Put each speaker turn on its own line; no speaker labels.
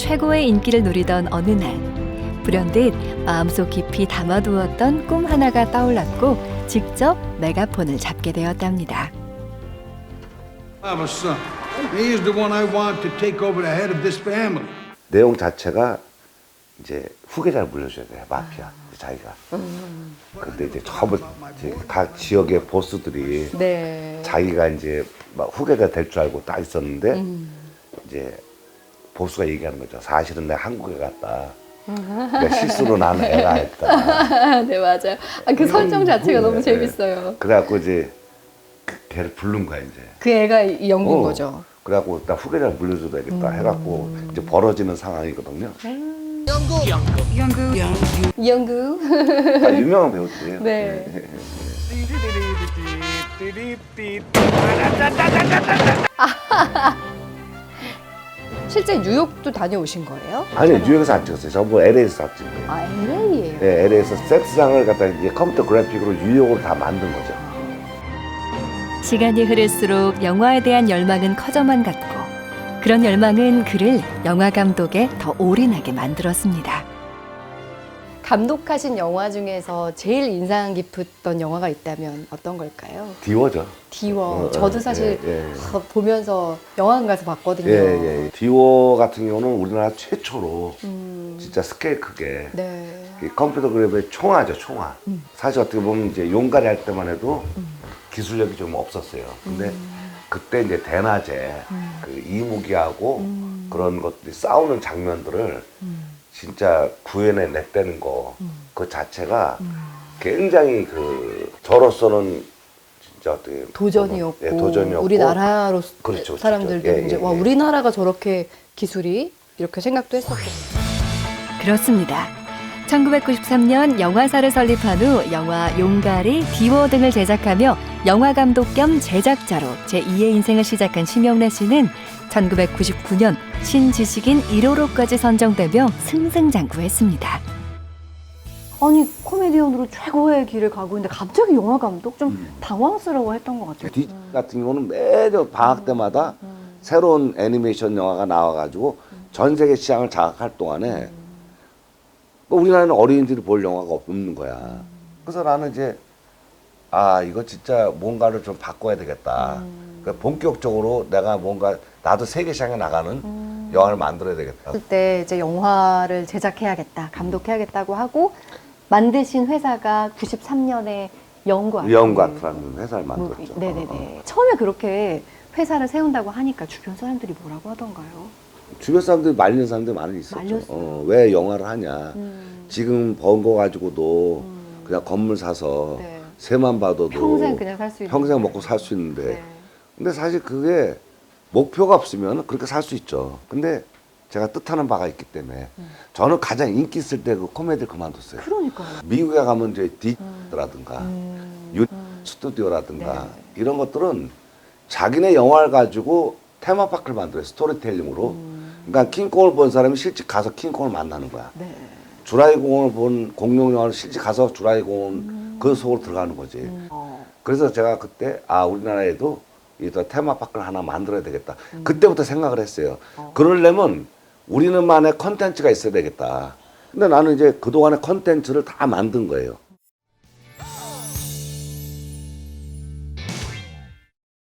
최고의 인기를 누리던 어느 날, 불현듯 마음속 깊이 담아두었던 꿈 하나가 떠올랐고 직접 메가폰을 잡게 되었답니다.
I have a son. He is the one I want to take over the head of this family.
내용 자체가 이제 후계자를 물려줘야 돼, 마피아 자기가. 근데 이제 처음 이제 각 지역의 보스들이
네.
자기가 이제 막 후계자 될 줄 알고 딱 있었는데 이제 보스가 얘기하는 거죠. 사실은 내가 한국에 갔다. 내가 실수로 나는 애가 했다.
네, 맞아요. 아, 그 설정 자체가 너무 재밌어요.
그래갖고 이제 걔를 부른 거야 이제.
그 애가 이 연구인 거죠.
그래갖고 나 후계자를 물려줘야 되겠다 해갖고 이제 벌어지는 상황이거든요.
이연구.
아, 유명한 배우들이에요.
네. 실제 뉴욕도 다녀오신 거예요?
아니 뉴욕에서 안 찍었어요. 전부 LA에서 다 찍은 거예요.
아, LA예요.
네, LA에서 세트장을 갖다 이제 컴퓨터 그래픽으로 뉴욕으로 다 만든 거죠.
시간이 흐를수록 영화에 대한 열망은 커져만 갔고 그런 열망은 그를 영화 감독에 더 올인하게 만들었습니다.
감독하신 영화 중에서 제일 인상 깊었던 영화가 있다면 어떤 걸까요?
디워죠.
디워. 저도 사실
예.
보면서 영화관 가서 봤거든요.
예. 디워 같은 경우는 우리나라 최초로 진짜 스케일 크게
네.
이 컴퓨터 그래픽의 총화죠, 총화. 사실 어떻게 보면 이제 용가리 할 때만 해도 기술력이 좀 없었어요. 근데 그때 이제 대낮에 그 이무기하고 그런 것들이 싸우는 장면들을 진짜 구현해 냈다는 거, 그 자체가 굉장히 그 저로서는 진짜 어떻게
도전이었고,
예, 도전이었고
우리나라로
그렇죠,
사람들도
그렇죠.
이제 와 우리나라가 저렇게 기술이 이렇게 생각도 했었고.
그렇습니다. 1993년 영화사를 설립한 후 영화 용가리, 디워 등을 제작하며 영화 감독 겸 제작자로 제2의 인생을 시작한 심영래 씨는 1999년 신지식인 1호로까지 선정되며 승승장구했습니다.
아니 코미디언으로 최고의 길을 가고 있는데 갑자기 영화 감독 좀 당황스러워했던 것 같아요.
디 같은 경우는 매년 방학 때마다 새로운 애니메이션 영화가 나와가지고 전 세계 시장을 장악할 동안에 우리나라는 어린이들이 볼 영화가 없는 거야. 그래서 나는 이제 이거 진짜 뭔가를 좀 바꿔야 되겠다. 그러니까 본격적으로 내가 뭔가 나도 세계 시장에 나가는 영화를 만들어야 되겠다.
그때 이제 영화를 제작해야겠다, 감독해야겠다고 하고 만드신 회사가 93년에
영과트라는 회사를 만들었죠.
네네네. 처음에 그렇게 회사를 세운다고 하니까 주변 사람들이 뭐라고 하던가요?
주변 사람들이 말리는 사람들이 많이 있었죠.
말렸어요.
왜 영화를 하냐. 지금 번 거 가지고도 그냥 건물 사서
네.
새만 봐도
평생 그냥 살 수 있는.
평생 먹고 살 수 있는데.
네.
근데 사실 그게 목표가 없으면 그렇게 살 수 있죠. 근데 제가 뜻하는 바가 있기 때문에 저는 가장 인기 있을 때 그 코미디를 그만뒀어요.
그러니까요.
미국에 가면 이제 디라든가 스튜디오라든가 이런 것들은 자기네 영화를 가지고 테마파크를 만들어요. 스토리텔링으로. 그러니까 킹콩을 본 사람이 실제 가서 킹콩을 만나는 거야.
네.
주라기 공원을 본 공룡 영화를 실제 가서 주라기 공원 그 속으로 들어가는 거지. 그래서 제가 그때 우리나라에도 이 테마파크를 하나 만들어야 되겠다. 그때부터 생각을 했어요. 그러려면 우리는만의 컨텐츠가 있어야 되겠다. 근데 나는 이제 그동안의 컨텐츠를 다 만든 거예요.